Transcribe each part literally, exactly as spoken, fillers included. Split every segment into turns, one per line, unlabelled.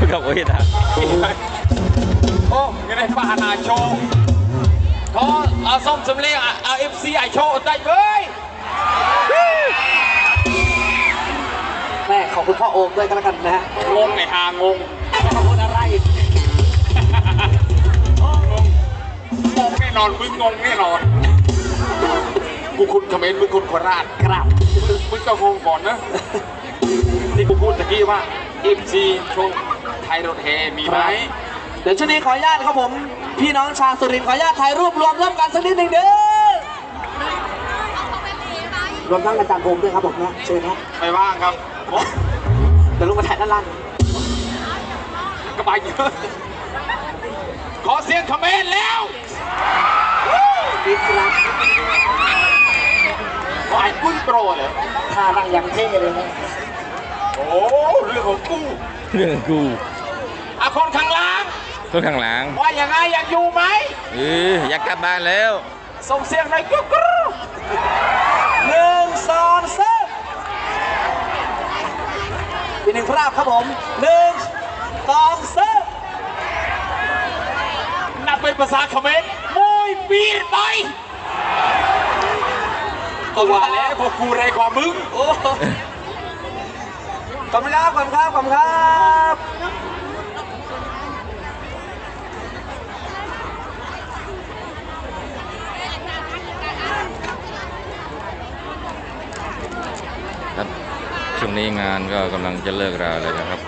กับโอ้ยนะ
โอ้ยังไงป้านาโชว์เขาเอาส้มสำเร็จเอาเอฟซีไอโชว์ได้เว้ย
แม่ขอบคุณพ่อโอมด้วยกันแล้วกันนะฮะ
งงในหางง
ขอบคุณอะไร
งงแน่นอนมึงงงแน่นอนกูคุณคอมเมนต์มึงคุณโคราช
ครับ
มึงก็งงก่อนนะที่กูพูดตะกี้ว่าเอฟซีโชว์ไทยรถแฮมีไหม
เดี๋ยวช่วงนี้ขออนุญาตครับผมพี่น้องชาวสุรินทร์ขออนุญาตถ่ายรูปรวมร่วมกันสักนิดหนึ่งเด้อรวมทั้งอาจารย์โอมด้วยครับผมนะเชิญนะ
ไม่ว่างครับ
เดี๋ยวลงมาถ่ายด้านล่าง
ก็ไปเยอะขอเสียงคอมเมนต์แล้ว
ดีครับ
วายกุ้ยโปรเลย
ท่านั่งอย่างเท่เลยนะ
โอ้เรื่องของกู
เรื่องกู
อ่ะคนข้างล่าง
คนข้างหลัง
ว่าอย่างไงอยากอยู่ไหม
เอออยากกลับบ้านแล้ว
ส่งเสียงหน่อยกุ๊กกุ๊ก
หนึ่งสองสามอีกหนึ่งภาพครับผมหนึ่งสองสาม
นับเป็นภาษาเขมรมวยปีนไปก็ว่าแล้วพวกกูแรงกว่ามึง
โอ้ขอบคุณครับขอบคุณครับขอบคุณครับ
ครับช่วงนี้งานก็กำลังจะเลิกราเลยนะครับ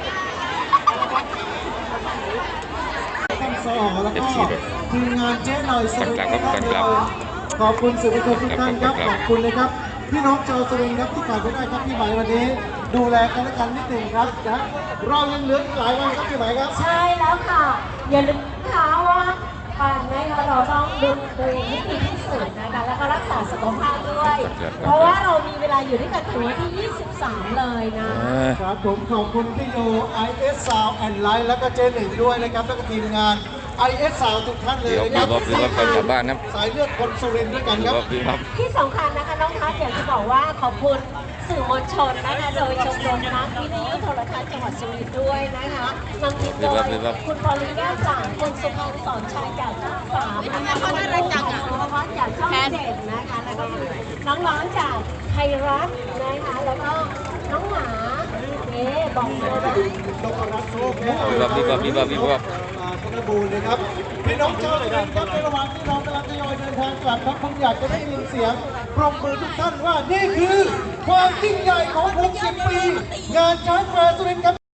เอฟซีรถ
ทีมงานเจ๊หน่อย
ก่อนกลับครับก่อนกลับ
ขอบคุณสื่อมวลชนทุกท่านครับขอบคุณเลยครับพี่น้องชาวสุรินทร์ครับที่ขาดไม่ได้ครับพี่หมายวันนี้ดูแลกันและกันนิดหนึ่งครับนะเรายังเหลือหลายวันครับพี่หมายครับ
ใช่แล้วค่ะอย่าลืมนะคะว่าการนะคะเราต้องดูตัวเองให้ดีที่สุดนะคะแล้วก็รักษาสุขภาพด้วยเพราะว่าเรามีเวลาอยู่ด้วยกันถึงวันที่ยี่สิบสามเลยนะครับ
ผมขอบคุณพี่โย ไอ เอส Sound and Light แล้วก็เจหนึ่งด้วยนะครับแล้วก็ทีมงาน ไอ เอส Sound ทุกท่านเลย
นะครับพี่บ๊อบพี่บ๊อบกลับบ้านครับ
สายเลือดคนสุรินทร์ด้วยกันครับ
ที่สำคัญนะคะน้องทัศน์อยากจะบอกว่าขอบคุณสื่อมวลชนนะคะโดยชมรมนักวิทยุโทรทัศน์จังหวัดสุรินทร์ด้วยนะคะนำทีมโดยคุณพอลินแก้วจ่างคุณสุพรรณสอนชัยจากช่องสามนะคะคุณรุ่งจากสุภวัฒน์จากช่องเจ็ดนะคะแล้วก็น้องๆจากไทยรัฐนะคะแล้วก็น้องหมาเอ๊บอกเลยว่า
พี่บ๊อบพี่บ๊อบพี่บ๊อบพี่บ๊อบ
ธนบูรณ์นะครับพี่น้องชาวสุรินทร์ครับในระหว่างที่เรากำลังทยอยเดินทางกลับครับผมอยากจะได้ยินเสียงปรบมือทุกท่านว่านี่คือความยิ่งใหญ่ของหกสิบปีงานช้างแฟร์สุรินทร์ครับ